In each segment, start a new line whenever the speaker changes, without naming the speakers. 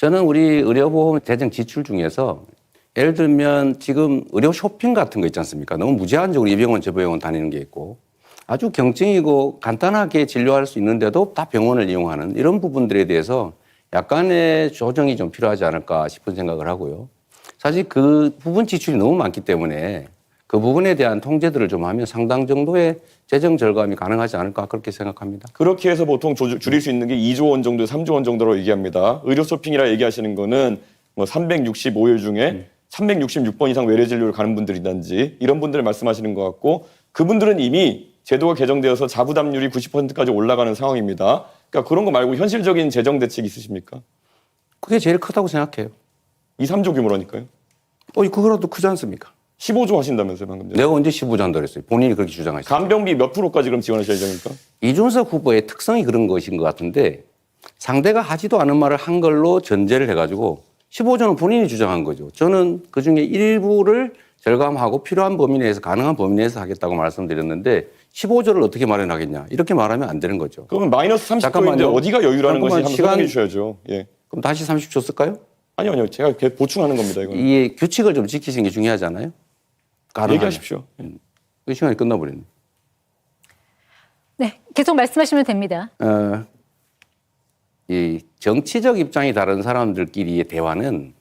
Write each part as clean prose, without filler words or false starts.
저는 우리 의료보험 재정 지출 중에서 예를 들면 지금 의료 쇼핑 같은 거 있지 않습니까? 너무 무제한적으로 이 병원 저 병원 다니는 게 있고 아주 경증이고 간단하게 진료할 수 있는데도 다 병원을 이용하는 이런 부분들에 대해서 약간의 조정이 좀 필요하지 않을까 싶은 생각을 하고요. 사실 그 부분 지출이 너무 많기 때문에 그 부분에 대한 통제들을 좀 하면 상당 정도의 재정 절감이 가능하지 않을까 그렇게 생각합니다.
그렇게 해서 보통 줄일 수 있는 게 2조 원 정도, 3조 원 정도로 얘기합니다. 의료 쇼핑이라 얘기하시는 거는 뭐 365일 중에 366번 이상 외래 진료를 가는 분들이든지 이런 분들을 말씀하시는 것 같고 그분들은 이미 제도가 개정되어서 자부담률이 90%까지 올라가는 상황입니다. 그러니까 그런 거 말고 현실적인 재정 대책 있으십니까?
그게 제일 크다고 생각해요.
2, 3조 규모라니까요.
그거라도 크지 않습니까?
15조 하신다면서요, 방금 전에.
내가 언제 15조 한다고 그랬어요. 본인이 그렇게 주장하셨어요.
간병비 몇 프로까지 그럼 지원하실 예정입니까?
이준석 후보의 특성이 그런 것인 것 같은데 상대가 하지도 않은 말을 한 걸로 전제를 해가지고 15조는 본인이 주장한 거죠. 저는 그중에 일부를 절감하고 필요한 범위 내에서 가능한 범위 내에서 하겠다고 말씀드렸는데 15조를 어떻게 마련하겠냐. 이렇게 말하면 안 되는 거죠.
그러면 마이너스 30조인데
잠깐만요.
어디가 여유라는 것이 한번
시간-
설명해 주셔야죠. 예.
그럼 다시 30조 쓸까요?
아니요. 제가 보충하는 겁니다, 이거는.
이 규칙을 좀 지키시는 게 중요하잖아요. 가능하면.
얘기하십시오.
그 시간이 끝나버렸네.
네, 계속 말씀하시면 됩니다.
이 정치적 입장이 다른 사람들끼리의 대화는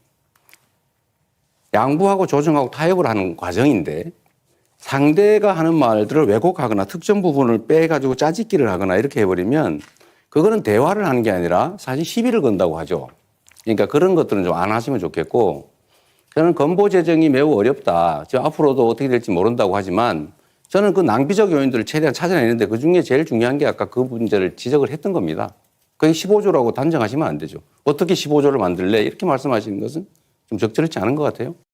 양보하고 조정하고 타협을 하는 과정인데 상대가 하는 말들을 왜곡하거나 특정 부분을 빼가지고 짜집기를 하거나 이렇게 해버리면 그거는 대화를 하는 게 아니라 사실 시비를 건다고 하죠. 그러니까 그런 것들은 좀 안 하시면 좋겠고 저는 건보 재정이 매우 어렵다. 저 앞으로도 어떻게 될지 모른다고 하지만 저는 그 낭비적 요인들을 최대한 찾아내는데 그중에 제일 중요한 게 아까 그 문제를 지적을 했던 겁니다. 그게 15조라고 단정하시면 안 되죠. 어떻게 15조를 만들래? 이렇게 말씀하시는 것은 좀 적절치 않은 것 같아요.